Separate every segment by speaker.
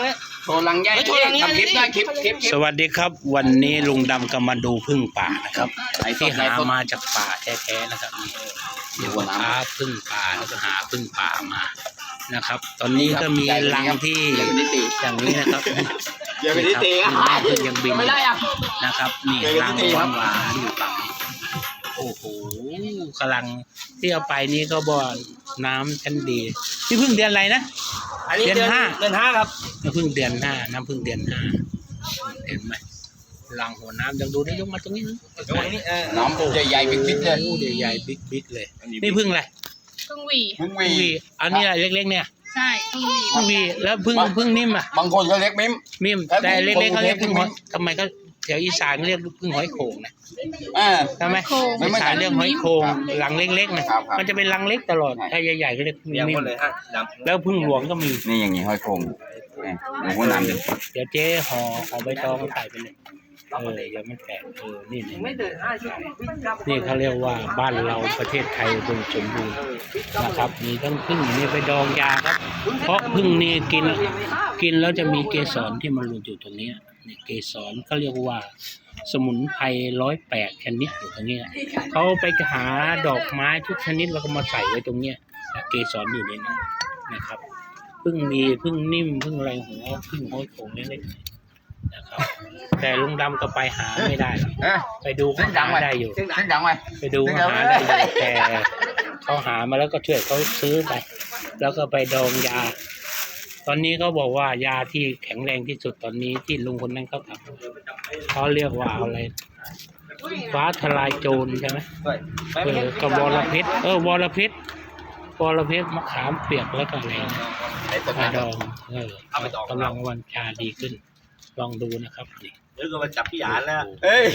Speaker 1: โชว์ลังใหญ่ทำคลิปได้คลิป
Speaker 2: สวัสดีครับวันนี้ลุงดำก็มาดูพึ่งป่านะครับที่หามาจากป่าแท้ๆนะครับนี่ว่าหาพึ่งป่าแล้วก็หาพึ่งป่ามานะครับตอนนี้ก็มีรังที่อย่างนี้นะครับ
Speaker 1: อย่าไปตีอ่ะ
Speaker 2: พึ่งยังบิน
Speaker 1: ไม่ได้อ่ะ
Speaker 2: นะครับนี่รังหวานอยู่ฝั่งนี้โอ้โหกำลังที่เอาไปนี่ก็บ่อน้ำชั้นดีนี่พึ่งเดือนอะไรนะเดือน5
Speaker 1: ครับ
Speaker 2: น้ำพึ่งเดือน5น้ำพึ่งเดือน5เห็นไหมรังหัวน้ำยังดูได้ยกมาตรงนี้
Speaker 1: น้ำใหญ่ๆบิ๊กๆเลย
Speaker 2: ใหญ่ๆบิ๊กๆเลยนี่พึ่งอะไร
Speaker 3: พึ่งหวี
Speaker 2: อันนี้อะไรเล็กๆเนี่ย
Speaker 3: ใช่พึ่งหวี
Speaker 2: แล้วพึ่งนิ่มอ่ะ
Speaker 1: บางคนก็เรียกมิม
Speaker 2: แต่เล็กๆเขาเรียกพึ่งหอยทำไมเขาแถวอีสานเรียกพึ่งหอยโข่งนะใช่ไหมอีสานเรียกหอยโข่งหลังเล็กๆนะมันจะเป็นรังเล็กตลอดถ้าใหญ่ๆก็เรียกพึ่งนิ่มแล้วพึ่งหลวงก็มี
Speaker 1: นี่อย่างนี้หอยโข่งหัวน้ำ
Speaker 2: เดี๋ยวเจ๊ห่อใบตองใส่ไปเลยยังไม่แตกนี่นี่เขาเรียกว่าบ้านเราประเทศไทยอุดมสมบูรณ์นะครับมีทั้งพึ่งนี่ไปดองยาครับเพราะพึ่งนี่กินแล้วจะมีเกสรที่มันหลุดอยู่ตรงนี้นี่เกสรเขาเรียกว่าสมุนไพร108ชนิดอยู่ตรงนี้เขาไปหาดอกไม้ทุกชนิดแล้วก็มาใส่ไว้ตรงนี้เกสรอยู่ในนั้นนะครับพึ่งมีพึ่งนิ่มพึ่งอะไรหัวพึ่งห้อยโขงเล็กๆนะครับแต่ลุงดำก็ไปหาไม่ได้ไปดูเขาหาได้อยู่ไปดูเขาหาได้อยู่แต่เขาหามาแล้วก็ช่วยเขาซื้อไปแล้วก็ไปดองยาตอนนี้เขาบอกว่ายาที่แข็งแรงที่สุดตอนนี้ที่ลุงคนนั้นเขาทำเขาเรียกว่าอะไรฟ้าทลายโจรใช่ไหมกับวรเพชรวรเพชรมะขามเปียกแล้วก็อะไรมาดองกำลังวันชาดีขึ้นลองดูนะครับนี่
Speaker 4: แล้วก็มาจับพี่หยานแล้ว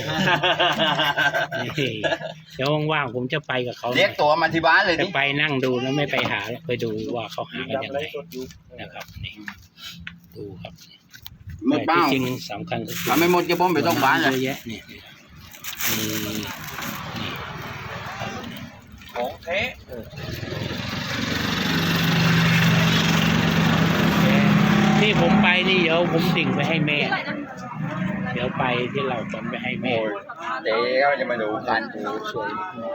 Speaker 2: เดี๋ยวว่างๆผมจะไปกับเขา
Speaker 1: เรียกตัวมาที่บ้านเลย
Speaker 2: จะไปนั่งดูแล้วไม่ไปหาไปดูว่าเขาหากันยังไงนะครับนี่ดูครับ
Speaker 1: ไม่เป้า
Speaker 2: จริงสำคัญก็คือ
Speaker 1: ไม่หมดจะบ้อมไปต้องบ้านเลย
Speaker 2: เยอะแยะนี่
Speaker 4: ของแท้
Speaker 2: นี่ผมไปนี่เดี๋ยวผมดิ่งไปให้แม่เดี๋ยวไปที่เราผมไปให้แม่
Speaker 1: เดี๋ยวจะมาดูกัน
Speaker 2: สวย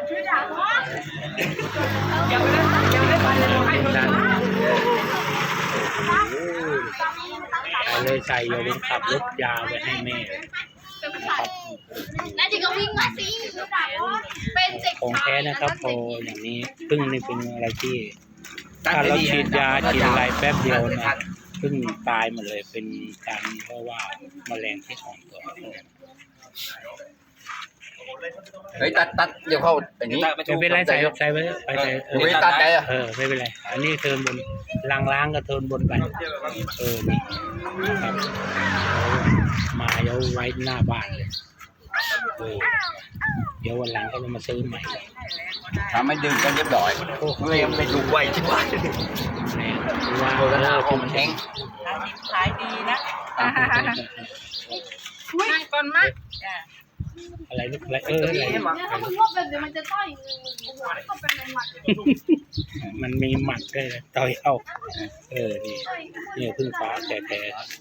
Speaker 2: เลยใส่อย่าลืมขับรถยาวไปให้แม่นะครับของแท้นะครับพออย่างนี้พึ่งนี่เป็นอะไรที่ถ้าเราฉีดยาฉีดอะไรแป๊บเดียวนะพึ่งตายหมดเลยเป็นการเพราะว่าแมลงที่ของตัว
Speaker 1: เฮ้ยตัดเดี๋ยวเข้าอย่างนี้
Speaker 2: ไม่เป็นไรใส่ไป
Speaker 1: ไม่ตัดได้
Speaker 2: ไม่เป็นไรอันนี้เทินบนล้างก็เทินบนไปนี่ครับมาเดี๋ยวไว้หน้าบ้านเลยเดี๋ยววันหลังก็จะมาซื้อใหม่
Speaker 1: ทำให้ดึงกันเรียบร้อย
Speaker 4: เลยไปดูไว้ที่บ้าน
Speaker 1: ว่าโฆษณาของมันแห้ง
Speaker 3: ขายดีนะนั่งก่อนมาก
Speaker 2: อะไรนึกอะไร
Speaker 3: ถ้ามึงว่าแบบเดี๋ยวมันจะต่อยเข้าไปในหมัด
Speaker 2: มันมีหมัดด้วยต่อยเอานี่พึ่งฟ้าแต่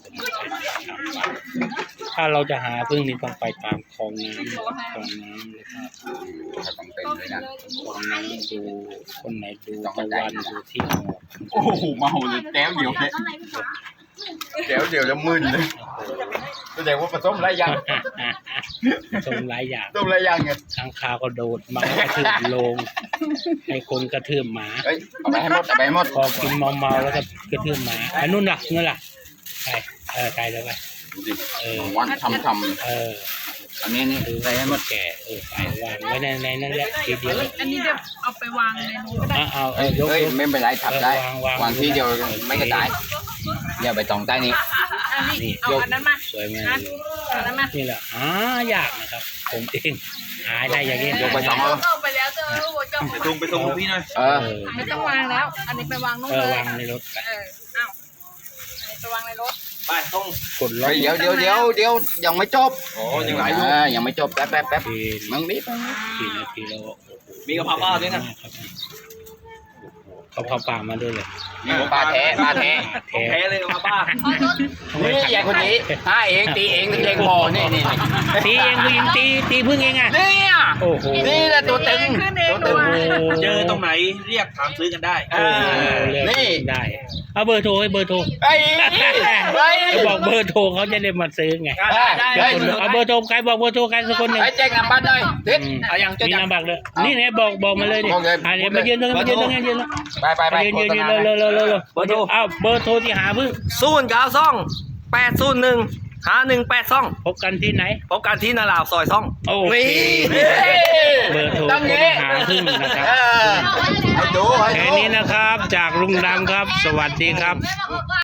Speaker 2: ถ้าเราจะหาพึ่งนี่ต้องไปตามคลองน้ำเลยครับ
Speaker 1: ต้องเป็นเลยนะ
Speaker 2: คลองน้ำดูคนไหนดูตะวันดูที่หมอก
Speaker 1: โอ้โหเมาเลยแก้วเดียวเลยแก้วเดียวแล้วมึนเลยแสดงว่าผสมหลายอย่าง
Speaker 2: ผสมหลายอย่าง
Speaker 1: ไง
Speaker 2: ทางคาวก็โดดมากระทืบลงให้คนกระทืบหมา
Speaker 1: เอาไปให้หมด
Speaker 2: พอกินเมาแล้วก็กระทืบหมาอันนู้นล่ะใครแล้วไป
Speaker 1: วันทำอันนี้
Speaker 2: ใส่ให้หมดแก่ใส่วางไว้ในนั่นแหละทีเดียว
Speaker 3: อันนี้เดี๋ยวเอาไปวางในนู้นก็ได้
Speaker 2: ยก
Speaker 1: ไม่เป็นไรทับได้วางที่เดียวไม่กระจายอย่าไปตรงใต้นี้
Speaker 3: นี่ยก
Speaker 2: สวยมากนี่แหละยากนะครับผมเองหาได้อย่างนี้
Speaker 1: ยกไปสอง
Speaker 3: เข้าไปแล้วเจอ
Speaker 4: ไปส่งพี่หน่อย
Speaker 3: ไม่ต้องวางแล้วอันนี้ไปวางนู้นเลยว
Speaker 2: างในรถ
Speaker 3: อันนี้ไปวางในรถ
Speaker 4: ไปต้อง
Speaker 1: กดเดี๋ยวยังไม่จบ
Speaker 4: ยังไหล
Speaker 1: ยังไม่จบแป๊บมึงนิด
Speaker 2: กี่นาทีแล้ว
Speaker 4: มีกระเพราด้วยนะ
Speaker 2: เขาป่ามาด้วยเลย
Speaker 1: ปลาแท้ปลาแท้
Speaker 2: แท้
Speaker 4: แพ้เลยมาป้า
Speaker 1: นี่อย่างคนนี้เองตีเองถึงเองพอนี่
Speaker 2: ตีเองผู้หญิงตีพึ่งเองอ่ะ
Speaker 1: เนี่ย
Speaker 2: โอ้โห
Speaker 1: นี่แหละตัวตึงตัวตึง
Speaker 4: เจอตรงไหนเรียกถามซื้อกันได้
Speaker 1: นี่
Speaker 2: ได้เอาเบอร์โทรให้เบอร์โทร
Speaker 1: ไอ้ไอ้
Speaker 2: เขาบอกเบอร์โทรเขาจะได้มาซื้อไง
Speaker 1: ได้
Speaker 2: เดี๋ยวคนเอาเบอร์โทรใครบอกเบอร์โทรใครสักคนหนึ่ง
Speaker 1: ไอ้แจ้งนำบัตรเลยทิศ
Speaker 2: มีนามบัตรเลยนี่ไงบอกมาเลยดิเดี๋ยวมายืนตรงนี้ยืน
Speaker 1: ไป
Speaker 2: ยืนเร็วเบอร์โทรเอาเบอร์โทรที่หาพึ่ง
Speaker 5: 092-801-5182
Speaker 2: พบกันที่ไหน
Speaker 5: พบกันที่นาลาวซอยซ่อง
Speaker 2: โอเคเบอร์โทรหาพึ่งนะครับ
Speaker 1: ให้ดู
Speaker 2: แค่นี้นะครับจากลุงดำครับ สวัสดีครับ
Speaker 3: แม่บอกว่า